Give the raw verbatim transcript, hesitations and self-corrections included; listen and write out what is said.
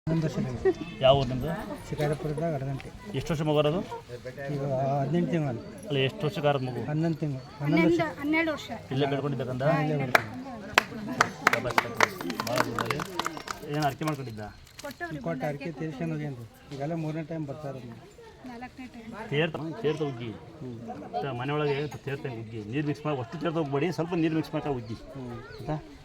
ಒಂದು ವರ್ಷ ಯಾವ ಊರು ನಿಮ್ಮದು? ಶಿಕಾರಿಪುರದಾಗ ಅರ್ಧಂಟೆ. ಎಷ್ಟು ವರ್ಷ ಮಗು ಬರೋದು? ಈಗ ಹದಿನೆಂಟು ತಿಂಗಳು. ಅಲ್ಲ ಎಷ್ಟು ವರ್ಷಕ್ಕಾರದ ಮಗು? ಹನ್ನೊಂದು ತಿಂಗಳು. ಹನ್ನೊಂದು ವರ್ಷ. ಹನ್ನೆರಡು ವರ್ಷ. ಇಲ್ಲೇ ಬೆಳ್ಕೊಂಡಿದ್ದಕ್ಕಂದ ಇಲ್ಲೇ ಬರ್ತೀವಿ. ಭಾಳ ದೂರದಲ್ಲಿ ಏನು ಅರ್ಕೆ ಮಾಡ್ಕೊಂಡಿದ್ದ? ಕೊಟ್ಟು ಅಡಿಕೆ ತೀರ್ಸ್ಕೊಂಡು ಹೋಗ್ಯಾನ್ರಿ. ಈಗೆಲ್ಲ ಮೂರನೇ ಟೈಮ್ ಬರ್ತಾರೆ. ನಾಲ್ಕನೇ ಟೈಮ್ ತೇರ್ತ ತೇರ್ತ ಉಗ್ಗಿ ಮನೆ ಒಳಗೆ ತೇರ್ತ ಉಗ್ಗಿ ನೀರು ಮಿಕ್ಸ್ ಮಾಡಿ ಅಷ್ಟು ತೇರ್ತ ಹೋಗ್ಬೇಡಿ, ಸ್ವಲ್ಪ ನೀರು ಮಿಕ್ಸ್ ಮಾಡ್ತಾ ಉಗ್ಗಿ ಆಯಿತಾ?